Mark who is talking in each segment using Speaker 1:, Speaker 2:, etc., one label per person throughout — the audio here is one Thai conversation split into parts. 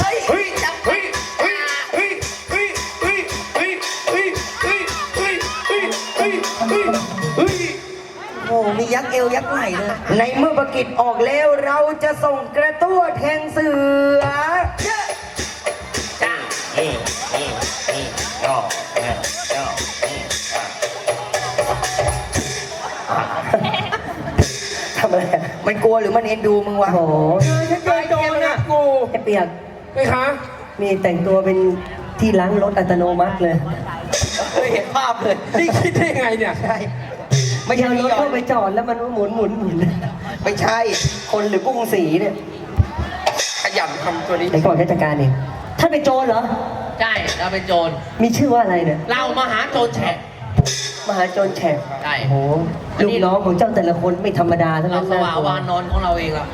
Speaker 1: เฮ้ยเฮ้ยเฮ้ยเฮ้ยเฮ้ยเฮ้ยเฮ้ยเฮ้ยเฮ้ยเฮ้ยเฮ้ยเฮ้ยเฮ้ยเฮ้ยโอ้มียักษ์เอวยักษ์ไหล่เลยในเมื่อประกิจออกแล้วเราจะส่งกระตั้วแทงเสือจ้าเฮ้เฮ้เฮ้ย่อย่อทำอะไรมันกลัวหรือมันเอ็นดูมึงวะ
Speaker 2: โอ้โห
Speaker 1: ฉันเจอโจรนะกู
Speaker 2: ไอ้เปียก
Speaker 1: ไม่คะ
Speaker 2: นี่แต่งตัวเป็นที่ล้างรถอัตโนมัติเลย
Speaker 1: เคยเห็นภาพเลยนี่คิดได้ยังไงเนี่ยใช่ไม่
Speaker 2: ไม่
Speaker 1: ใช่
Speaker 2: ใช่รถเข้าไปจอดแล้วมันหมุน
Speaker 1: ไม่ใช่คนหรือกุ้งสีเนี่ยขยันทำตัวนี้
Speaker 2: ไหนก่อนราชการเองท่านเป็นโจรเหรอ
Speaker 3: ใช่เราเป็นโจร
Speaker 2: มีชื่อว่าอะไรเนี่ย
Speaker 3: เรามาหาโจรแฉะ
Speaker 2: มหาโจรแฉก
Speaker 3: ใช่
Speaker 2: โอ้โหลูกน้องของเจ้าแต่ละคนไม่ธรรมดาทั้ง
Speaker 3: เรา
Speaker 2: นั้น
Speaker 3: ส
Speaker 2: นะ
Speaker 3: ว่าวานอนของเราเองละ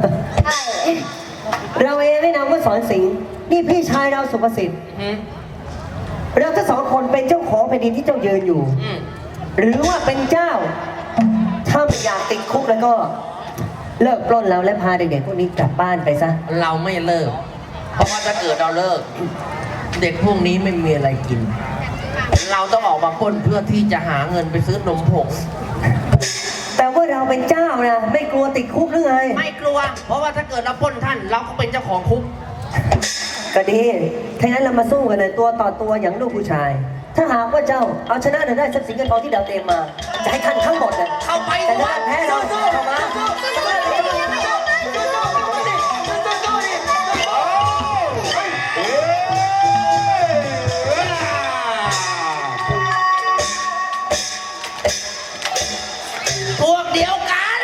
Speaker 2: เราเองได้นามว่าสอนสิงห์นี่พี่ชายเราสุภสิทธิ์
Speaker 3: อืม
Speaker 2: เราทั้งสองคนเป็นเจ้าของแผ่นดินที่เจ้ายืนอยู่
Speaker 3: อืม
Speaker 2: หรือว่าเป็นเจ้า ถ้าไม่อยากติดคุกแล้วก็ เลิกปล้นเราและพาเด็กๆพวกนี้กลับบ้านไปซะ
Speaker 3: เราไม่เลิก เพราะว่าถ้าเกิดเราเลิก เด็กพวกนี้ไม่มีอะไรกิน เราต้องออกมาปล้นเพื่อที่จะหาเงินไปซื้อนมผง
Speaker 2: แต่ว่าเราเป็นเจ้านะไม่กลัวติดคุกหรือไง
Speaker 3: ไม่กลัว เพราะว่าถ้าเกิดเราปล้นท่าน เราก็เป็นเจ้าของคุก
Speaker 2: ก็ดีถ้างั้นเรามาสู้กันเลยตัวต่อตัวอย่างลูกผู้ชาย ถ้าหากว่าเจ้าเอาชนะได้ทรัพย์สินเงินทองที่เราเตรียมมา จะให้ท่านทั้งหมดเลย
Speaker 3: เข้าไป
Speaker 2: แต่ถ้าแพ้เราเข้ามา
Speaker 3: พวกเดียวกัน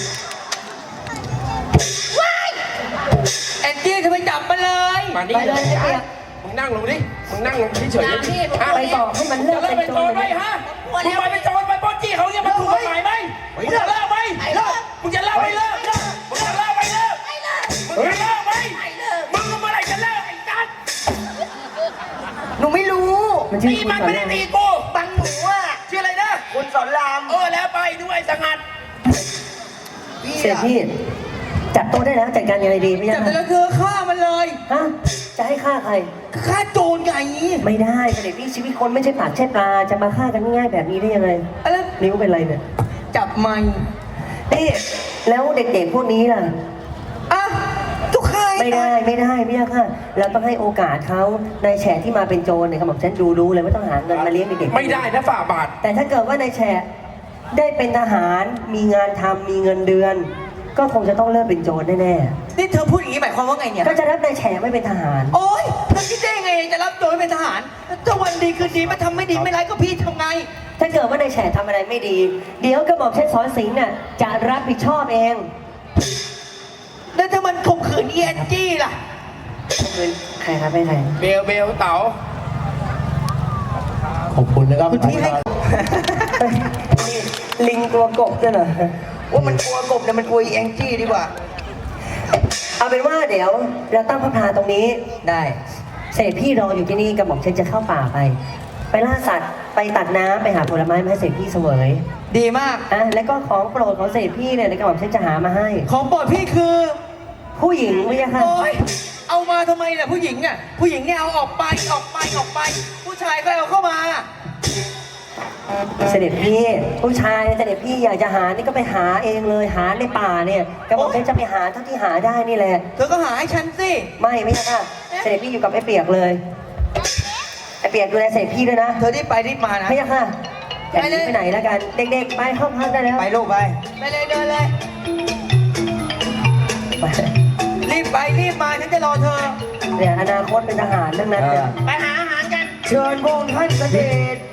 Speaker 3: ว้ายแอนจี้จะไปจับมันเลย
Speaker 1: มานี่
Speaker 2: ไปเลยไอ้เปียก
Speaker 1: มึงนั่งลงดิมึงนั่งลงเฉย
Speaker 3: อย่าพี่
Speaker 1: ๆฮะ
Speaker 2: ไปบอกให้มันเลิก
Speaker 1: จะเลิก
Speaker 2: เป็
Speaker 1: เป็น น
Speaker 2: โจ
Speaker 1: โจ
Speaker 2: ร
Speaker 1: รไหมฮะมึงไปเป็นโจรไปปล้นจี้เขาเนี่ยมันถูกกฎหมายไหมมึงจะเลิกไหมเลิกมึงจะเลิกไหมเลิกมึงจะเลิกไหมเลิกมึงจะเลิกไหมมึงเมื่อไหร่จะเลิกไอ้จัดหนูไม่รู้
Speaker 2: มันชื่อ
Speaker 1: ตี
Speaker 2: คุณ
Speaker 1: มัน
Speaker 2: สอน
Speaker 1: ไม่ได้
Speaker 2: ราม
Speaker 1: ตีกูบังหนูอ่ะชื่ออะไรนะคุณสอนรามแล้วไปด้วยสงัด
Speaker 2: เสร็จพี่จับตัวได้แล้วจัดการยังไงดีไม่
Speaker 1: จั
Speaker 2: ใช่
Speaker 1: บแต่ละเธอฆ่ามันเลย
Speaker 2: ฮะจะให้ฆ่าใคร
Speaker 1: ฆ่าโจรไง
Speaker 2: ไม่ได้เสด็จพี่ชีวิตคนไม่ใช่ปากใช่ปลาจะมาฆ่ากันง่ายๆแบบนี้ได้ยังไง
Speaker 1: แล้ว
Speaker 2: นิ้วเป็นไรเนี่ย
Speaker 1: จับมัน
Speaker 2: นี่แล้วเด็กๆพวกนี้ล่ะ
Speaker 1: อ่ะทุกใคร
Speaker 2: ไม่ได้ไม่ยากค่ะเราต้องให้โอกาสเขานายแฉะที่มาเป็นโจรเนี่ยเขาบอกฉันรู้เลยว่าต้องหาเงินมาเลี้ยงเด็กๆ
Speaker 1: ไม่ได้นะฝ่าบาท
Speaker 2: แต่ถ้าเกิดว่านายแฉะได้เป็นทหารมีงานทำมีเงินเดือน ก็คงจะต้องเลิกเป็นโจรแน่
Speaker 1: นี่เธอพูดอย่างนี้หมายความว่าไงเนี่ย
Speaker 2: ๆก็จะรับนายแฉะไม่เป็นทหาร
Speaker 1: โอ๊ยเธอคิดได้ยังไงจะรับโจรเป็นทหารถ้าวันดีคืนดีมาทำไม่ดีไม่ร้ายก็พี่ทำไง
Speaker 2: ถ้าเกิดว่านายแฉะทำอะไรไม่ดี เดี๋ยวกระหม่อมเช่นสอนสิงห์น่ะจะรับผิดชอบเอง
Speaker 1: แล้วถ้ามันข่มขืนเอียนจี้ล่ะ
Speaker 2: คือใครครับไม่ใคร
Speaker 1: เบลเต๋า
Speaker 3: ขอบคุณนะครับ
Speaker 1: คุณพี่ให้
Speaker 2: ลิงตัวกบด้วยเหรอ
Speaker 1: ว่ามันกลัวกบเนี่ยมันกลัวอีแองจี้ดีกว่า
Speaker 2: เอาเป็นว่าเดี๋ยวเราตั้งพระพลาตรงนี้
Speaker 1: ได้
Speaker 2: เสด็จพี่รออยู่ที่นี่กระหม่อมเช่นจะเข้าป่าไป ไปล่าสัตว์ไปตัดน้ำไปหาผลไม้มาให้เสด็จพี่เสวย
Speaker 1: ดีมาก
Speaker 2: อ่ะแล้วก็ของโปรดของเสด็จพี่เนี่ยกระหม่อมเช่นจะหามาให้
Speaker 1: ของโปรดพี่คือ
Speaker 2: ผู้หญิงไม่ใช่ค่ะ
Speaker 1: โอ๊ยเอามาทำไมล่ะผู้หญิงอ่ะผู้หญิงเนี่ยเอาออกไป ผู้ชายก็เอาเข้ามา
Speaker 2: เสด็จพี่ผู้ชายเสด็จพี่อยากจะหานี่ก็ไปหาเองเลยหาในป่าเนี่ยกระหม่อมเช่นจะไปหาเท่าที่หาได้นี่แหละ
Speaker 1: เธอก็หาให้ฉันสิ
Speaker 2: ไม่ใช่ค่ะเสด็จพี่อยู่กับไอ้เปียกเลยไอ้เปียกดูแลเสด็จพี่ด้วยนะ
Speaker 1: เธอรีบไปรีบมานะ
Speaker 2: ไม่ใช่ค่ะอย่าหนีไปไหนแล้วกัน เด็กๆไปห้องพักได้แล้ว
Speaker 1: ไปลูกไปเลยเดินเลย
Speaker 2: ไป
Speaker 1: รีบไปรีบมาฉันจะรอเธอ
Speaker 2: เนี่ยอนาคตเป็นทหารทั้งนั้นเนี่ย
Speaker 3: ไปหาอาหารกัน
Speaker 1: เชิญพระองค์ท่านเสด็จ